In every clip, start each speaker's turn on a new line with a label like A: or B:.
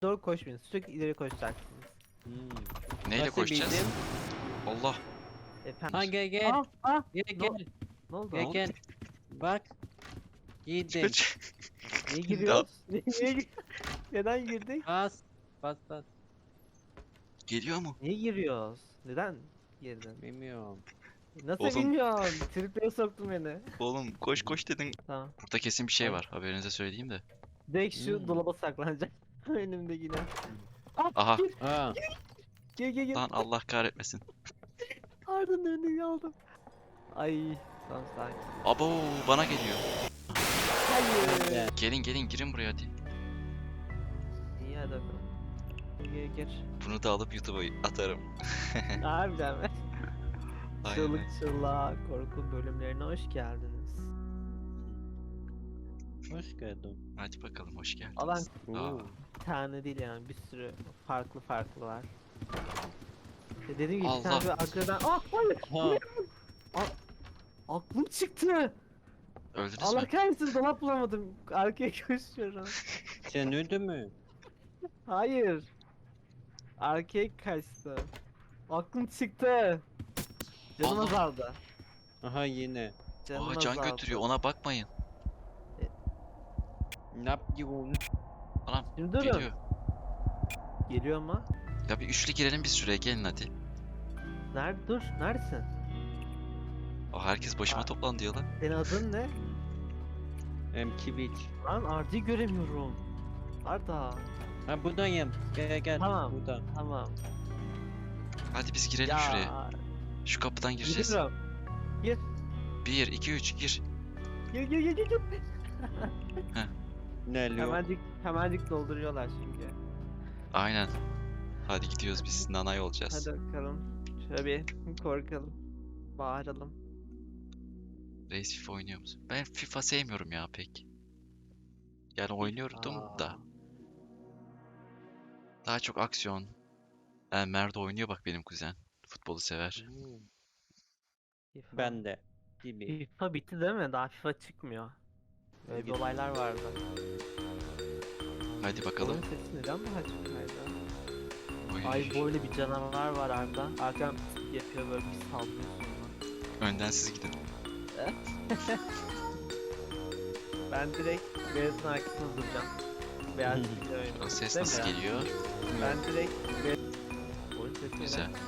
A: Doğru koşmayın. Sürekli ileri koşacaksınız.
B: Neyle
C: Nasıl
B: koşacağız?
C: bildin?
B: Allah.
A: Efendim.
C: Ha gel gel. Gel
A: Ne,
C: gel.
A: ne oldu?
C: Gel gel. Bak. Giydim.
A: Niye giriyoruz? Neden girdik?
C: Bas. Bas bas.
B: Geliyor mu?
A: Niye giriyoruz? Neden girdin?
C: Bilmiyorum.
A: Nasıl
B: Oğlum.
A: bilmiyorsun? Triplere soktun beni.
B: Oğlum koş dedin.
A: Tamam.
B: Burada kesin bir şey
A: Ay.
B: var. Haberinize söyleyeyim de.
A: Direkt şu
C: Hmm.
A: dolaba saklanacak. Önümde yine. Ah,
B: Aha.
A: gir.
C: Ha.
A: Gir.
B: Lan Allah kahretmesin.
A: Arda'nın önünü aldım. Ay. Tamam sakin.
B: Abo bana geliyor.
A: Hayır.
C: Gel.
B: Gelin girin buraya hadi.
A: İyi hadi bakalım. Gir.
B: Bunu da alıp YouTube'a atarım.
A: Harbiden mi?
B: Aynen.
A: Çığlık çığlığa korku bölümlerine hoş geldiniz.
C: Hoş geldin.
B: Hadi bakalım hoş geldiniz.
A: Alan
B: Aa,
A: bir tane değil yani bir sürü farklı var. Dediğim gibi bir
B: Allah.
A: tane böyle arkadan hayır.
C: Ha.
A: Aklım çıktı.
B: öldünüz
A: Allah
B: mü?
A: kahretsin dolap bulamadım. Arkaya koşuyorum.
C: Sen öldün mü?
A: Hayır. Arkaya kaçtı. Aklım çıktı. Canım
B: Allah.
A: azaldı.
C: Aha yine.
A: Canım
B: Aa can
A: azaldı.
B: götürüyor ona bakmayın.
C: Ne yapıyorsun?
B: Anam
A: Şimdi durun.
B: geliyor.
A: Geliyor mu?
B: Ya bir üçlü girelim bir süreye gelin hadi.
A: Nerede? Dur. Neredesin?
B: Aa, herkes başıma
A: Aa.
B: toplan diyor lan.
A: Senin adın ne?
C: Kibiç.
A: Lan Arda'yı göremiyorum. Arda.
C: Ha buradayım. Gel gel.
A: Tamam.
C: Burada.
A: Tamam.
B: Hadi biz girelim şuraya. Şu kapıdan gireceğiz.
A: Giriyorum. Gir.
B: 1 2 3 gir.
A: Gir.
C: Ne oluyor?
A: Hemencik dolduruyorlar çünkü.
B: Aynen. Hadi gidiyoruz biz nanay olacağız.
A: Hadi bakalım. Şöyle bir korkalım. Bağıralım.
B: Reis FIFA oynuyor musun? Ben FIFA sevmiyorum ya pek. Yani oynuyordum da. Daha çok aksiyon. Mert oynuyor bak benim kuzen. Futbolu sever.
A: FIFA.
C: Ben de. Gibi.
A: FIFA bitti değil mi? Daha FIFA çıkmıyor. Böyle bir
C: Bitti.
A: olaylar vardı.
B: Hadi bakalım.
A: Oyun sesi neden daha çok kaydı?
B: Oy.
A: Ay böyle bir canavar var Arda. Arkadan yapıyor böyle bir saldırıyor sonra.
B: Önden siz gidin.
A: Ben direkt Beyaz'ın arkasında duracağım. Beyaz bir oyun.
B: O ses
A: Değil
B: nasıl
A: mi ya?
B: geliyor?
A: Ben direkt oyun sesi
B: Güzel.
A: neden?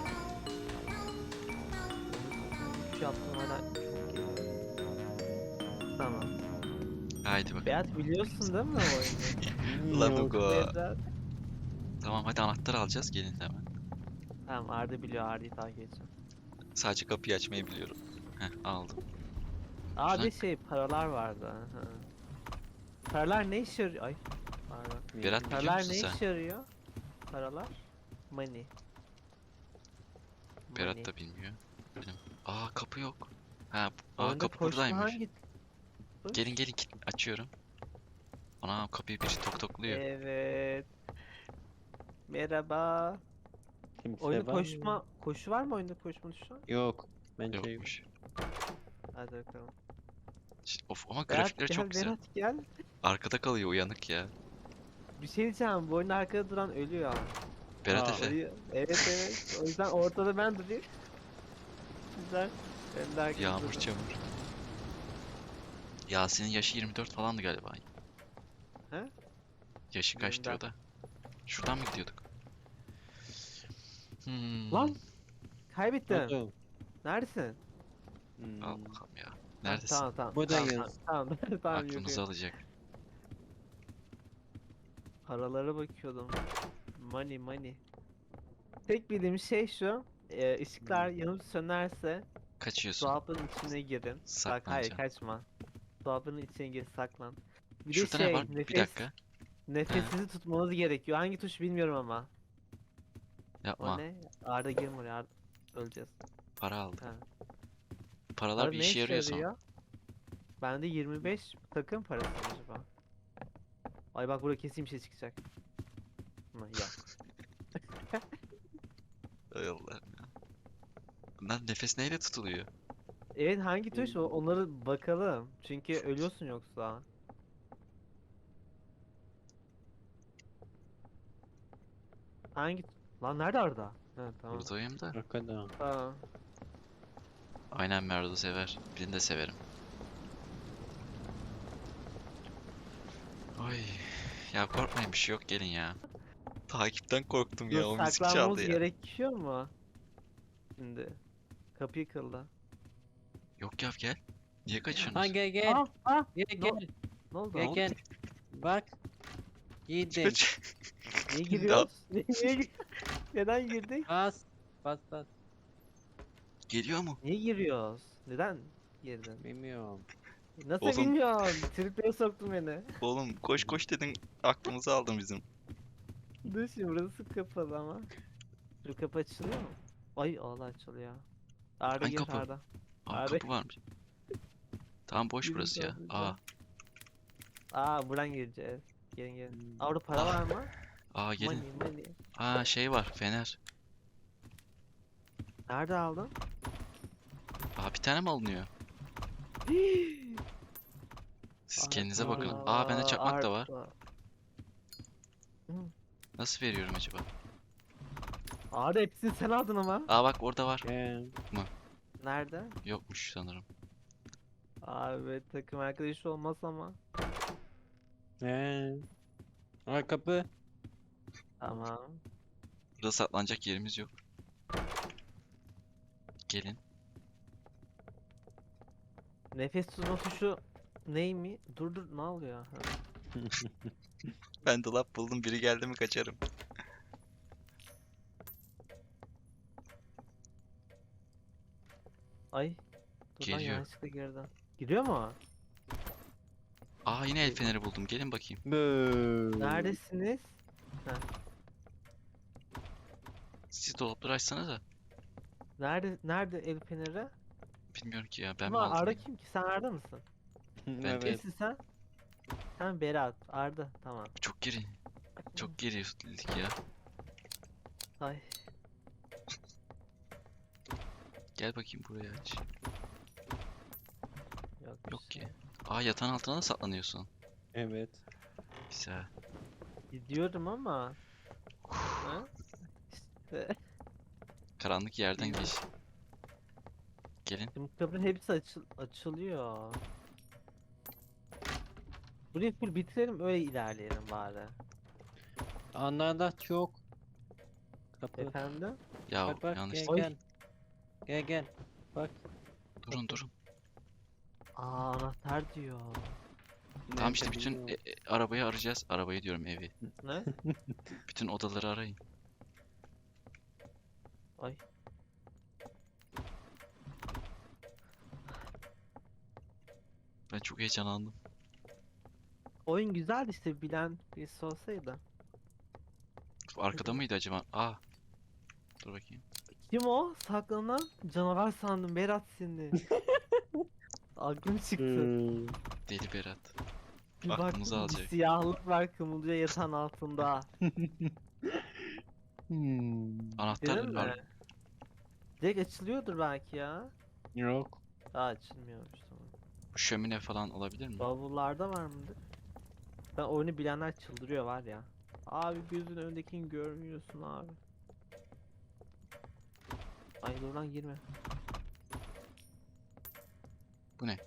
A: Üç yaptım hala çok geliyor. Tamam.
B: Haydi bakalım.
A: Beyaz biliyorsun değil mi o oyunu?
B: Lan Hugo.
A: Beyaz.
B: Tamam hadi anahtar alacağız gelin hemen.
A: Tamam Arda biliyor, Arda'yı takip edeceğim.
B: Sadece kapıyı açmayı biliyorum. Heh aldım.
A: Aa
B: Şuna-
A: bir şey paralar vardı. Hı. Paralar ne işe yarıyor? Ay pardon.
B: Berat biliyor
A: Paralar
B: musun
A: ne
B: sen?
A: işe yarıyor? Paralar? Money.
B: Berat
A: Money.
B: da bilmiyor. Benim. Aa kapı yok. Aa
A: Oyunda
B: kapı
A: koşma
B: buradaymış.
A: hangi tuş?
B: Gelin açıyorum. Ana kapıyı biri tokluyor.
A: Evet. Merhaba.
C: Kimse
A: Oyunda
C: var mı?
A: koşu var mı oyunda koşma tuşu?
C: Yok. Bence yok.
B: Yokmuş.
A: Hadi bakalım.
B: Of ama
A: Berat
B: grafikleri
A: gel,
B: çok güzel.
A: Berat gel.
B: Arkada kalıyor uyanık ya.
A: Bir şey diyeceğim, bu oyunda arkada duran ölüyor.
B: Berat
C: Aa,
B: Efe.
A: Evet. O yüzden ortada ben durayım. Güzel. Ben de arkada
B: Yağmur
A: durayım.
B: çamur. Yasin'in yaşı 24 falandı galiba.
A: He?
B: Yaşı kaç
A: 24.
B: diyor da. Şuradan mı gidiyorduk?
A: Lan! Kaybettim.
C: Oldu.
A: Neredesin?
B: Al
C: Hmm.
B: bakalım ya. Neredesin?
A: Tamam.
C: Buradayız.
A: Tamam.
B: Aklımızı
A: yürü.
B: alacak.
A: Paralara bakıyordum. Money. Tek bildiğim şey şu. Işıklar yanıp sönerse
B: Kaçıyorsun.
A: dolabın içine girin. Bak hayır
B: Saklanacaksın.
A: kaçma. Dolabın içine gir saklan. Bir
B: Şurada
A: de
B: ne var? Bir dakika.
A: Nefesinizi tutmanız gerekiyor. Hangi tuş bilmiyorum ama. O
B: Yapma.
A: ne? Arda girme oraya. Arda. Öleceğiz.
B: Para aldık.
A: Ha.
B: Paralar
A: Arda
B: bir
A: ne
B: işe yarıyor sonra.
A: yarıyor? Bende 25 takım parası mı acaba? Ay bak burada kesin bir şey çıkacak. Ama yok.
B: Ay Allah'ım ya. Lan nefes neyle tutuluyor?
A: Evet hangi tuş o? Onları bakalım. Çünkü ölüyorsun yoksa. Hangi? Lan nerede Arda? Ha tamam.
B: Buradayım da.
C: Arkada.
A: Tamam.
B: Aynen Merdo sever. Birini de severim. Ay. Ya korkmayın bir şey yok gelin ya. Takipten korktum ya
A: Dur,
B: o müzik
A: saklanmamız
B: çaldı ya.
A: gerekiyor mu? Şimdi. Kapı yıkıldı.
B: Yok ya gel. Niye
C: Ha
B: kaçıyorsunuz?
C: gel gel. Gel
A: Ne,
C: gel.
A: ne oldu?
C: Gel gel. Bak. Yedim.
B: Kaç.
A: Niye giriyoruz? Neden girdik?
C: Bas. Bas bas.
B: Geliyor mu?
A: Niye giriyoruz? Neden girdin?
C: Bilmiyorum.
A: Nasıl
B: Oğlum.
A: bilmiyorum. Triplere soktun beni.
B: Oğlum koş koş dedin aklımızı aldın bizim.
A: Dur şimdi burası kapalı ama. Şu kapı açılıyor mu? Ay Allah açılıyor. Arda
B: Hangi
A: gir
B: kapı?
A: Arda.
B: Aa
A: Abi.
B: kapı varmış. Tamam boş
A: Bizim
B: burası ya.
A: kapı
B: Aa.
A: Aa buradan gireceğiz. Gelin gelin.
C: Hmm.
A: Aa orada para
B: Ah,
A: var mı?
B: Aa gelin.
A: Money money.
B: Aa şey var fener.
A: Nerede aldın?
B: Aa bir tane mi alınıyor? Siz kendinize bakın.
C: Aa,
B: Aa bende çakmak da var.
A: Arda.
B: Nasıl veriyorum acaba?
A: Arda hepsini sen aldın ama.
B: Aa bak orada var.
C: Gel.
A: Nerede?
B: Yokmuş sanırım.
A: Abi takım arkadaşı olmaz ama.
C: Gel. Aa kapı.
A: Tamam.
B: Burada saklanacak yerimiz yok. Gelin.
A: Nefes tutma tuşu ney mi? Dur dur ne oluyor? Ha.
B: Ben dolap buldum. Biri geldi mi kaçarım.
A: Ay. Dur lan
B: Geliyor.
A: yanlışlıkla girdim. Giriyor mu?
B: Aa yine el feneri buldum. Gelin bakayım.
C: Bööö.
A: Neredesiniz?
B: Siz dolapları açsanıza.
A: Nerede el feneri?
B: Bilmiyorum ki ya. Ben mi
A: Ama
B: aldım?
A: Arda kim ki? Sen Arda mısın?
C: Evet.
A: Kimsin sen? Sen Berat. Arda. Tamam.
B: Çok geri. Çok gerilik ya.
A: Ay.
B: Gel bakayım buraya aç.
A: Yok, bir
B: Yok
A: şey.
B: ki. Aa yatağın altına da saklanıyorsun.
C: Evet.
B: Güzel.
A: Gidiyorum ama. Ha? İşte.
B: Karanlık yerden geç. Gelin.
A: Şimdi kapının hepsi açılıyor. Burayı full bitirelim öyle ilerleyelim bari.
C: Anlarda çok. Kapı.
A: Efendim?
B: Ya
C: Bak bak
B: yanlış.
C: gel
A: Oy.
C: gel. Gel gel. Bak.
B: Durun durun.
A: Aa anahtar diyor.
B: Tamam işte
C: Nerede
B: bütün
C: bilmiyorum.
B: arabayı arayacağız. Arabayı diyorum evi.
A: Ne?
B: Bütün odaları arayın.
A: Ay.
B: Ben çok heyecanlandım.
A: Oyun güzeldi işte bilen birisi olsaydı.
B: Arkada mıydı acaba? Aa. Dur bakayım.
A: Kim o? Saklanan canavar sandım Berat seni. Aklım çıktı.
C: Hmm.
B: Deli Berat.
A: Bir
B: aklımızı
A: baktım, bir
B: alacak.
A: siyahlık var kımılcıyor yatağın altında.
B: Anahtar
A: Değil mi?
B: var.
A: Direkt açılıyordur belki ya.
C: Yok.
A: Daha açılmıyormuş tamam.
B: Şömine falan olabilir mi?
A: Bavullarda var mıdır? Ben oyunu bilenler çıldırıyor var ya. Abi gözün önündekini görmüyorsun abi. Ay dur lan girme.
B: Bu ne?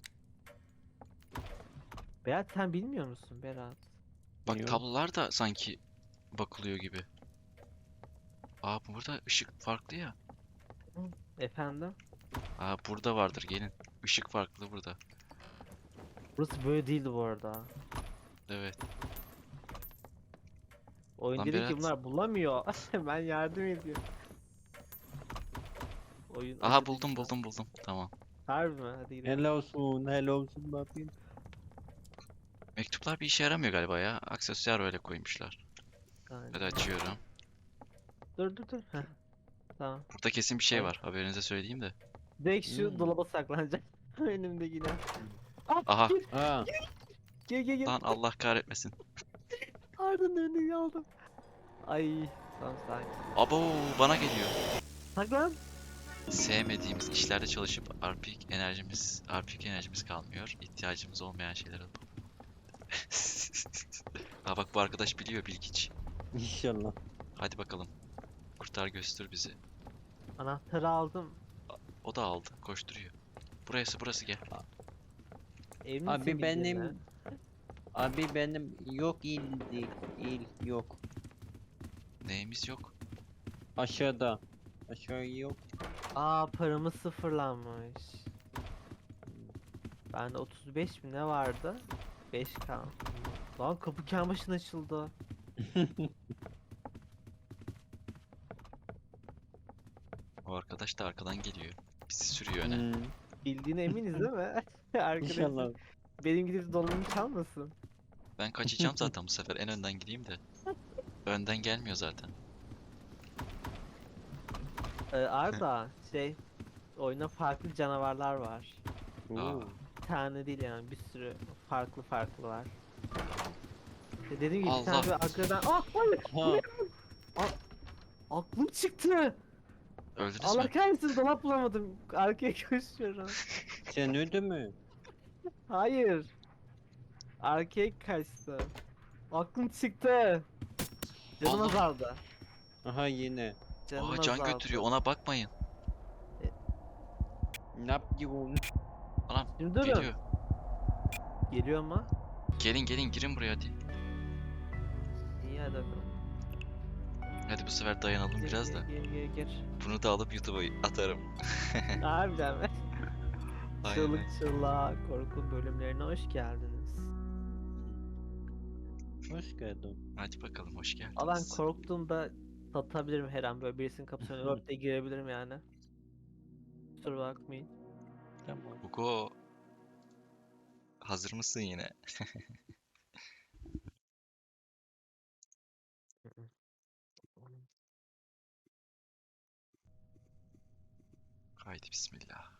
A: Berat sen bilmiyor musun Berat?
B: Bak
C: Yok.
B: tablolar da sanki bakılıyor gibi. Aa burada ışık farklı ya.
A: Efendim?
B: Aa burada vardır gelin. Işık farklı burada.
A: Burası böyle değildi bu arada.
B: Evet.
A: Oyun
B: Lan
A: dedi ki
B: Berat.
A: bunlar bulamıyor. Ben yardım ediyorum. Oyun
B: Aha
A: acıdı
B: buldum
A: işte.
B: buldum. Tamam.
A: Harbi mi? Hadi gidelim.
C: Helal olsun. Helal olsun bakayım.
B: Mektuplar bir işe yaramıyor galiba ya. Aksesuar öyle koymuşlar.
A: Aynen.
B: Hadi açıyorum.
A: Dur. Heh. Tamam.
B: Burada kesin bir şey
A: Ay.
B: var. Haberinize söyleyeyim de.
A: Direkt şu
C: Hmm.
A: dolaba saklanacak. Önümde yine. Aa,
B: Aha.
C: Aa.
A: gel.
B: Lan Allah kahretmesin.
A: Arda'nın önünde kaldım. Ay. Tamam sakin.
B: Abo bana geliyor.
A: Saklan.
B: Sevmediğimiz işlerde çalışıp RP enerjimiz kalmıyor. İhtiyacımız olmayan şeyler alıp. Aa bak bu arkadaş biliyor bilgiç.
C: İnşallah.
B: Hadi bakalım. Kurtar götür bizi.
A: Anahtarı aldım.
B: O da aldı. Koşturuyor. Burası gel.
A: Emin misin
C: Abi
A: gideceğine?
C: benim yok il değil. İl yok.
B: Neyimiz yok.
C: Aşağıda. Aşağı yok.
A: Aa, paramız sıfırlanmış. Bende 35 mi ne vardı? 5K. Lan kapı kendi başına açıldı.
B: O arkadaş da arkadan geliyor. Bizi sürüyor öne.
C: Hmm,
A: Bildiğine eminiz değil mi? Arkadaşım
C: İnşallah.
A: benim gidip donumu çalmasın.
B: Ben kaçacağım zaten bu sefer. En önden gideyim de. Önden gelmiyor zaten.
A: Arda oyuna farklı canavarlar var.
C: Oo.
A: Bir tane değil yani, bir sürü farklı var. Dediğim gibi bir tane
B: Allah.
A: böyle arkadan hayır,
C: Ha,
A: aklım çıktı.
B: Öldünüz
A: Allah
B: mü?
A: kahretsin, dolap bulamadım. Arkaya koşuyorum.
C: sen öldün mü?
A: Hayır. Arkaya kaçtı. Aklım çıktı. Canım
B: Allah.
A: azaldı.
C: Aha yine.
A: Canım
B: Aa, can
A: azaldı.
B: götürüyor. Ona bakmayın.
C: Ne yapıyorsun?
B: Anam
A: Şimdi durun.
B: geliyor.
A: Geliyor mu?
B: Gelin girin buraya hadi.
A: İyi, hadi bakalım.
B: Hadi bu sefer dayanalım biraz da.
A: Gir.
B: Bunu da alıp YouTube'a atarım.
A: Harbiden mi?
B: Aynen.
A: Çığlık çığlığa korku bölümlerine hoş geldiniz.
C: Hoş geldin.
B: Hadi bakalım hoş
A: Aa, ben
B: geldiniz.
A: korktuğumda satabilirim her an, böyle birisinin kapısına örtte diye girebilirim yani. Kusura bakmayın.
C: Tamam.
B: Hugo. Hazır mısın yine? Haydi bismillah.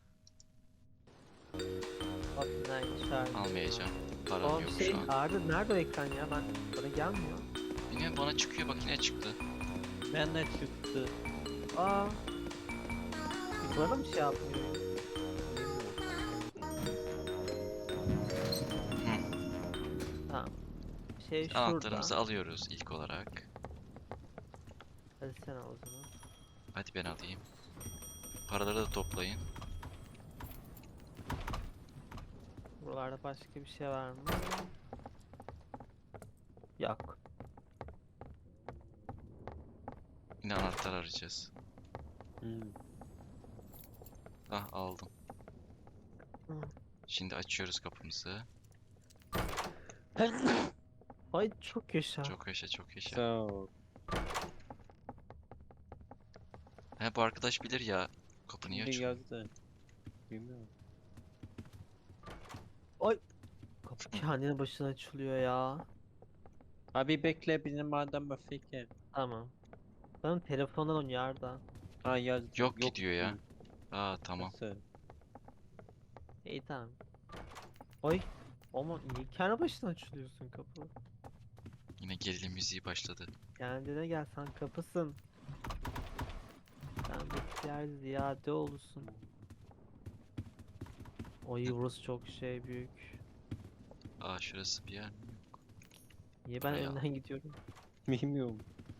A: Bak neymiş abi.
B: Almayacağım. Param
A: O
B: yok şu an.
A: Arda nerede o ekran ya? Bana gelmiyor.
B: Bilmiyorum bana çıkıyor bak yine çıktı.
C: Ben de çıktı.
A: Aa. Bana mı şey yapmıyor?
B: Hı.
A: Tamam. Şurada.
B: Anahtarımızı alıyoruz ilk olarak.
A: Hadi sen al o zaman.
B: Hadi ben alayım. Paraları da toplayın.
A: Buralarda başka bir şey var mı? Yok.
B: Yine anahtar arayacağız.
C: Hmm.
B: Ah aldım.
A: Hı.
B: Şimdi açıyoruz kapımızı.
A: Ay çok yaşa.
B: Çok yaşa çok yaşa.
C: Sağ ol.
B: He bu arkadaş bilir ya. Kapı niye
C: Şimdi
B: açıyor?
C: yazdı. Bilmiyorum.
A: Kapı kendine başına açılıyor ya.
C: Abi bekle bizim adam fikir.
A: Tamam. Benim telefondan oynuyor Arda.
C: Ha yazdı.
B: Yok gidiyor ya.
C: değil.
B: Aa tamam.
C: Nasıl?
A: İyi, tamam. Ay. Ama niye kendi başına açılıyorsun kapı?
B: Yine gerilim müziği başladı.
A: Kendine gel, sen kapısın. Sen bekler ziyade olursun. Oy, burası çok büyük.
B: Aa şurası bir yer.
A: Niye ben
B: Hay
A: önden gidiyorum?
C: Bilmiyorum.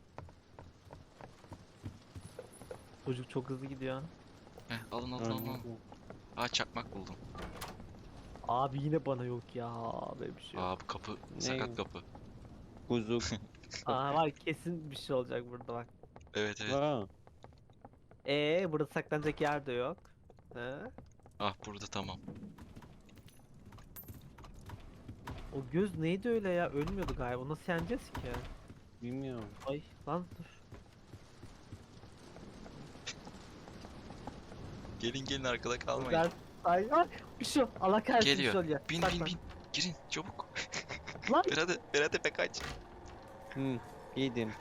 A: Çocuk çok hızlı gidiyor.
B: Heh alın.
C: Anladım.
B: Aa çakmak buldum.
A: Abi yine bana yok ya. Böyle bir şey yok.
B: Aa bu kapı sakat kapı.
C: Kuzuk.
A: Aa, var kesin bir şey olacak burada bak.
B: Evet evet.
C: Ha.
A: Burada saklanacak yer de yok. He?
B: Ah burada tamam.
A: O göz neydi öyle ya? Ölmüyordu galiba. Onu nasıl yeneceğiz ki?
C: Bilmiyorum.
A: Ay lan dur.
B: Gelin arkada kalmayın.
A: Ben... Ay bir şey yok. Allah kahretsin, bir
B: Geliyor.
A: şey oluyor.
B: Bin
A: Saklan.
B: Girin çabuk.
A: Lan
B: Berat Efe kaç.
C: Hı. Yedim.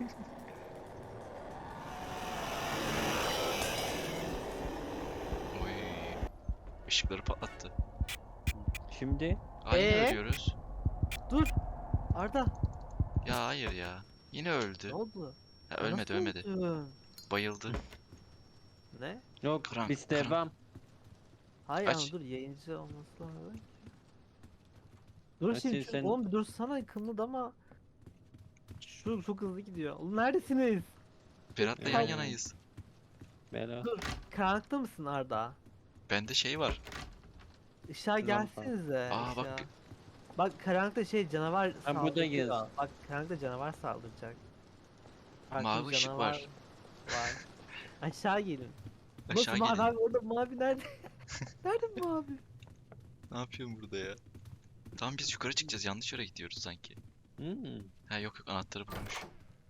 B: Oy. Işıkları patlattı.
C: Şimdi
B: Aa yine
A: Ee?
B: ölüyoruz.
A: dur. Arda.
B: Ya hayır ya. Yine öldü.
A: Ne oldu?
B: Ha,
A: Ya
B: ölmedi
A: nasıl
B: ölmedi.
A: öldün?
B: Bayıldı.
A: Ne?
C: yok
B: Krank,
C: biz
B: krank.
C: devam.
A: Hayır
B: Aç.
A: ama dur, yayıncı olması lazım. Dur
C: Açın
A: şimdi
C: sen.
A: oğlum, bir dursana, kımıldama. Şu çok hızlı gidiyor. Oğlum neredesiniz?
B: Berat'la yan yanayız.
C: Berat.
A: Karanlıkta mısın Arda?
B: Bende şey var.
A: Işığa
C: Lampa.
A: gelsenize.
B: Aa, bak
A: ışığa.
B: bir-
A: Bak karanlıkta şey canavar
C: Ha, buradayız.
A: saldırıyor. Bak karanlıkta canavar saldıracak. Farklı
B: Mavi
A: bir
B: ışık
A: canavar
B: var.
A: var. Aşağı gelin.
B: Aşağı
A: Nasıl mavi
B: gelin.
A: abi orada mavi nerede? Nerede mavi?
B: Ne yapıyorsun burada ya? Tamam biz yukarı çıkacağız. Yanlış yere gidiyoruz sanki.
C: Hmm.
B: Ha yok yok, anahtarı bulmuş.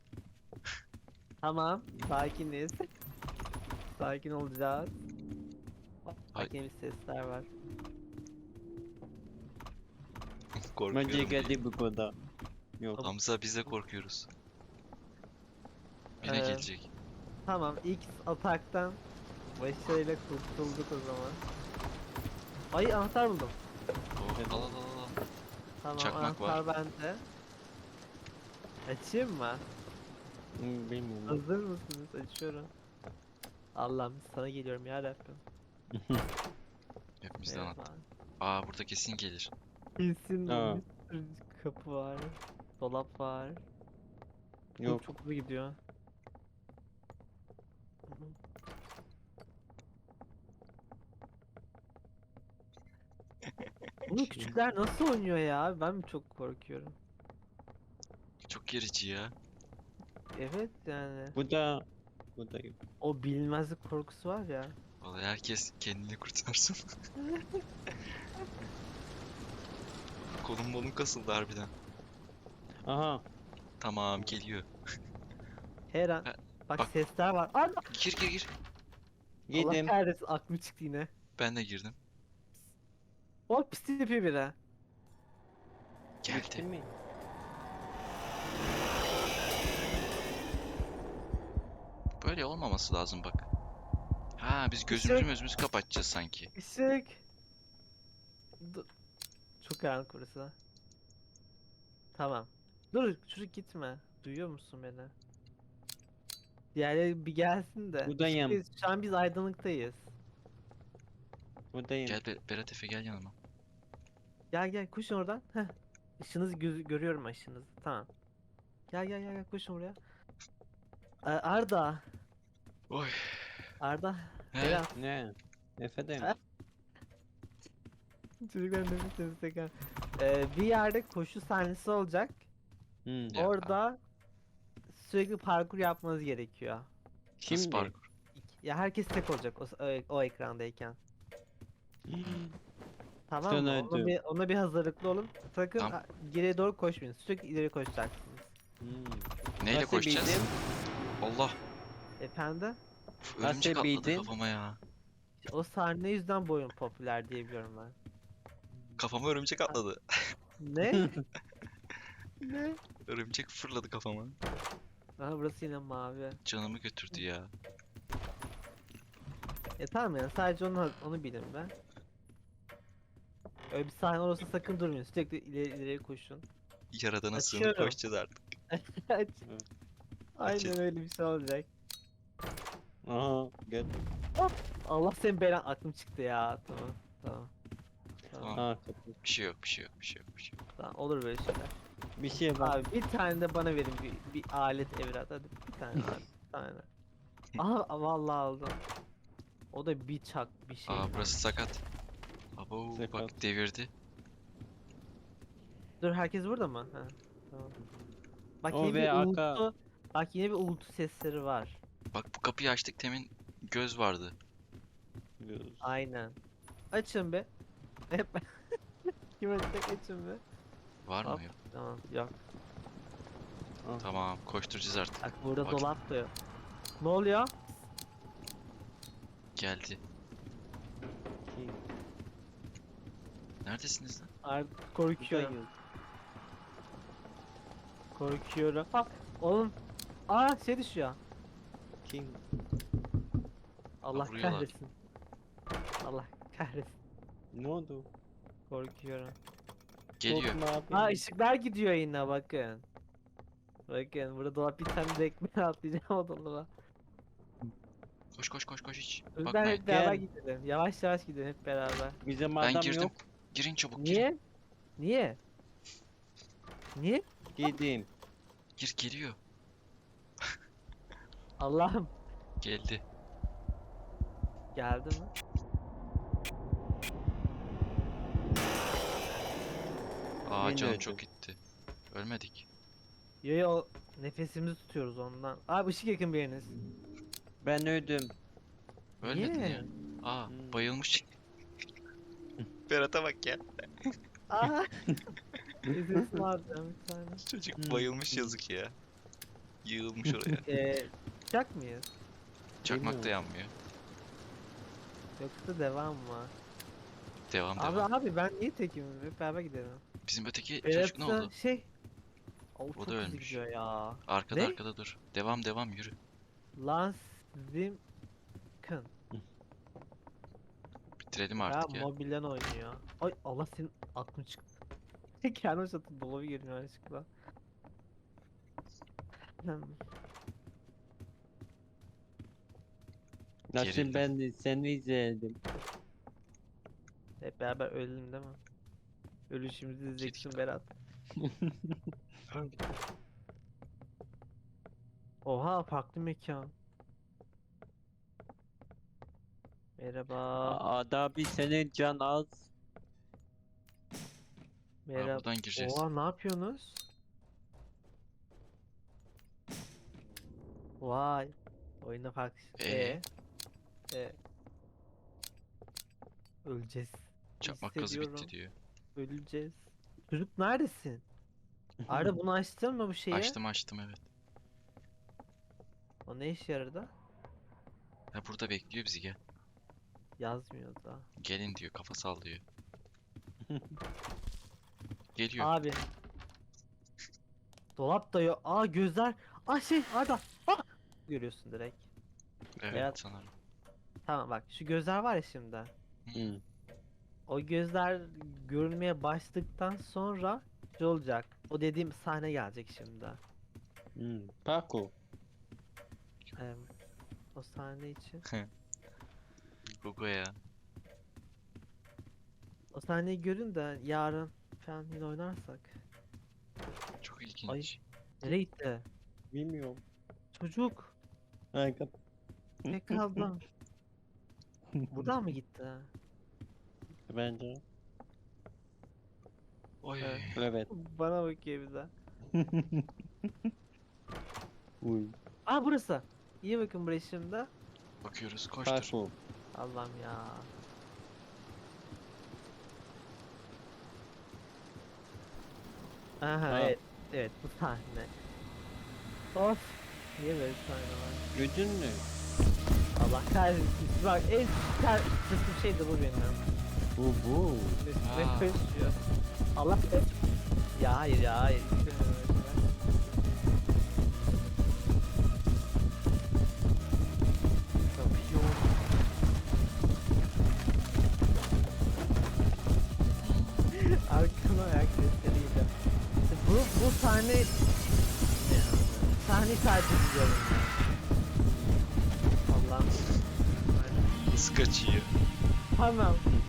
A: Tamam sakiniz. Sakin olacağız.
B: Ay.
A: Bak yeni sesler var.
B: Korkuyorum.
C: Bence
B: diye.
C: geldi bu kadar. Yok.
B: Hamza, biz de korkuyoruz. Yine
A: Ee,
B: gelecek.
A: Tamam ilk ataktan başarıyla kurtulduk o zaman. Ay anahtar buldum.
B: Oh, al al al al.
A: Tamam
B: Çakmak
A: anahtar bende. Açayım mı?
C: Bilmiyorum.
A: Hazır mısınız? Açıyorum. Allah'ım sana geliyorum ya Rabbim.
B: Hepimizden
A: Evet,
B: anahtar.
A: abi.
B: Aa, burada kesin gelir.
A: Kesin
C: Aa.
A: bir sürü kapı var. Dolap var.
C: Yok.
A: Çok hızlı gidiyor. Bu küçükler nasıl oynuyor ya? Ben mi çok korkuyorum?
B: Çok gerici ya.
A: Evet yani.
C: Bu da. Bu da yok.
A: O bilinmezlik korkusu var ya.
B: Vallahi herkes kendini kurtarsın. Kolum molum kasıldı harbiden.
C: Aha.
B: Tamam, geliyor.
A: Her an.
B: Ha,
A: Bak,
B: bak.
A: sesler var. Ana!
B: Gir gir gir.
A: Allah
C: Yedim.
A: kahretsin aklım çıktı yine.
B: Ben de girdim.
A: O pis yapıyor biri.
C: Bitti
B: Geldi.
C: mi?
B: Böyle olmaması lazım bak. Ha, biz gözümüzü kapatacağız sanki.
A: Işık. Çok karanlık burası. Tamam. Dur çocuk gitme. Duyuyor musun beni? Diğerleri bir gelsin de.
C: Buradayım.
A: Şu an biz aydınlıktayız.
C: Buradayım.
B: Gel Berat Efe, gel yanıma.
A: Gel gel koşun oradan. Heh. Işınızı görüyorum ışınızı. Tamam. Gel koşun buraya. Arda.
B: Oy.
A: Arda.
B: He?
A: Berat.
C: Ne? Efendim.
A: Ha? Çocuklar nefes nefes tekrar. Bir yerde koşu sahnesi olacak.
C: Hmm.
B: Ya.
A: Orada sürekli parkur yapmanız gerekiyor.
B: Nasıl
C: Şimdi.
B: parkur?
A: Ya herkes tek olacak o ekrandayken. Tamam
C: Sen
A: mı?
C: öldün.
A: Ona bir hazırlıklı olun. Sakın
B: Tamam.
A: geriye doğru koşmayın. Sürekli ileri koşacaksınız.
C: Hmm.
B: Neyle
C: Nasıl
B: koşacağız?
C: bildin?
B: Allah.
A: Efendim?
B: Uf,
C: Nasıl
B: örümcek atladı
C: bildin?
B: kafama ya.
A: O sahne yüzden bu oyun popüler diye biliyorum ben.
B: Kafama örümcek atladı.
A: Ne? Ne?
B: Örümcek fırladı kafama.
A: Aha burası yine mavi.
B: Canımı götürdü ya.
A: Tamam yani sadece onu bilin ben. Öyle bir sahne olursa sakın durmayın. Sürekli ileri koşun.
B: Yaradana sığınıp
A: Açıyorum.
B: koşacağız artık.
A: Aç.
C: Evet.
A: Aynen öyle bir şey olacak.
C: Aha. Gel.
A: Allah senin belan aklım çıktı ya. Tamam. Tamam.
B: Tamam.
C: Aa kapı.
B: Bir şey yok, bir şey yok, bir şey yok, bir şey yok.
A: Tamam. Olur böyle şeyler.
C: Bir şey var.
A: Abi bir tane de bana verin bir alet evlat hadi bir tane abi bir tane. Aha vallahi aldım. O da bir çak bir şey.
B: Aa, burası sakat. Abo, bak
C: Sakat.
B: devirdi.
A: Dur herkes burada mı? Ha, tamam. Bak
C: O
A: yine
C: ve
A: bir
C: arka-
A: uğultu. Bak yine bir uğultu sesleri var.
B: Bak, bu kapıyı açtık, temin göz vardı.
A: Aynen. Açın be. Hep kim açacak açın be.
B: Var
A: Hop.
B: mı yok?
A: Tamam yok.
B: Tamam, koşturacağız artık.
A: Bak burada
B: Bak.
A: dolap da yok. Ne oluyor?
B: Geldi. Neredesiniz lan?
A: Artık korkuyorum.
C: Buradayım.
A: Korkuyorum. Ha, oğlum. Aa şey düşüyor.
C: Kim?
A: Allah
B: vuruyorlar.
A: kahretsin. Allah kahretsin.
C: Ne oldu?
A: Korkuyorum.
B: Geliyor.
C: Korkma abi.
A: Aa ışıklar gidiyor yine bakın. Bakın burada dolap bir tane de ekmeğe atlayacağım o dolaba.
B: Koş koş koş koş hiç.
A: Ben
B: Bakmayın.
A: hep beraber
C: Gel.
A: gidelim. Yavaş yavaş gidelim hep beraber.
C: Bizim
B: Ben
C: adam
B: girdim.
C: yok.
B: Girin çabuk, girin.
A: Niye? Niye? Niye?
C: Girdim.
B: Gir, geliyor.
A: Allah'ım.
B: Geldi.
A: Geldi mi?
B: Aa,
C: Yine
B: canım
C: öldü.
B: çok gitti. Ölmedik.
A: Yo yo, nefesimizi tutuyoruz ondan. Abi ışık yakın biriniz.
C: Ben öldüm.
B: Ölmedin
A: Niye?
B: ya. Aa,
C: Hmm.
B: bayılmış. Berat'a bak ya.
A: Aa. Nefesimi alacağım bir tane.
B: Çocuk
C: Hmm.
B: bayılmış, yazık ya. Yığılmış oraya.
A: Çıkacak mıyız?
B: Çakmak da
C: Bilmiyorum.
B: yanmıyor.
A: Yoksa devam mı?
B: Devam
A: Abi
B: devam.
A: abi ben niye tekim? Hep beraber gidelim.
B: Bizim öteki çocuk ne
A: Berat'ta
B: oldu?
A: şey. O çok
B: da
A: hızlı
B: ölmüş.
A: gidiyor ya.
B: Arkada
A: Ne?
B: arkada dur. Devam devam, yürü.
A: Lance Zimkin.
B: Bitirelim
A: Ya
B: artık ya.
A: mobilden oynuyor. Ay Allah, senin aklın çıktı. Kendim satıp dolabı girmiyor yanlışlıkla.
C: Nasıl
B: Gerildim.
C: ben de seni izledim.
A: Hep beraber ölelim değil mi? Ölüşümüzü izleyeceksin
B: Kedik.
A: Berat. Oha, farklı mekan. Merhaba.
C: Ada bir senin can az.
A: Merhaba.
B: buradan gireceğiz.
A: Oha, ne yapıyorsunuz? Vay. Oyunda farklı. E. Öleceğiz.
B: Çakmak gazı bitti
A: Hissediyorum.
B: diyor.
A: Öleceğiz. Çocuk neredesin? Arda bunu açtın mı bu şeyi?
B: Açtım evet.
A: O ne işe yaradı?
B: Ha, burada bekliyor bizi, gel.
A: Yazmıyor da.
B: Gelin diyor, kafa sallıyor. Geliyor.
A: Abi. Dolap da yok. Aa, gözler. Aa, şey Arda. Ah! Görüyorsun direkt.
B: Evet
A: Berat.
B: sanırım.
A: Tamam bak, şu gözler var ya şimdi.
C: Hmm.
A: O gözler görünmeye başladıktan sonra şey olacak. O dediğim sahne gelecek şimdi.
C: Paco.
A: Em, O sahne için.
B: Gugu ya.
A: O sahneyi görün de yarın falan yine oynarsak.
B: Çok ilginç.
A: Nereye gitti?
C: Bilmiyorum.
A: Çocuk.
C: Ha, kap.
A: Tek kaldım. Buradan mı gitti?
C: Bence.
B: Oy.
A: Evet.
C: Evet.
A: Bana bakıyor bir de.
C: Uy.
A: Aa, burası. İyi bakın buraya şimdi.
B: Bakıyoruz, koştur.
C: Paco.
A: Allah'ım ya. Aha,
C: Ha.
A: evet. Evet, bu sahne. Of. Niye böyle sahne var?
C: Gördün mü?
A: Allah kahretsin. Bak, en sıkıntı şey de bu benim.
C: Bu.
A: Üstüme
B: Aa.
A: koşuyor. Allah be. Ya hayır ya hayır. İstemiyorum öyle şeyler. Kapıyor. Arkama ayak sesleriyle. İşte bu sahneyi tercih ediyorum ben. Allah'ım.
B: Nasıl kaçıyor?
A: Tamam.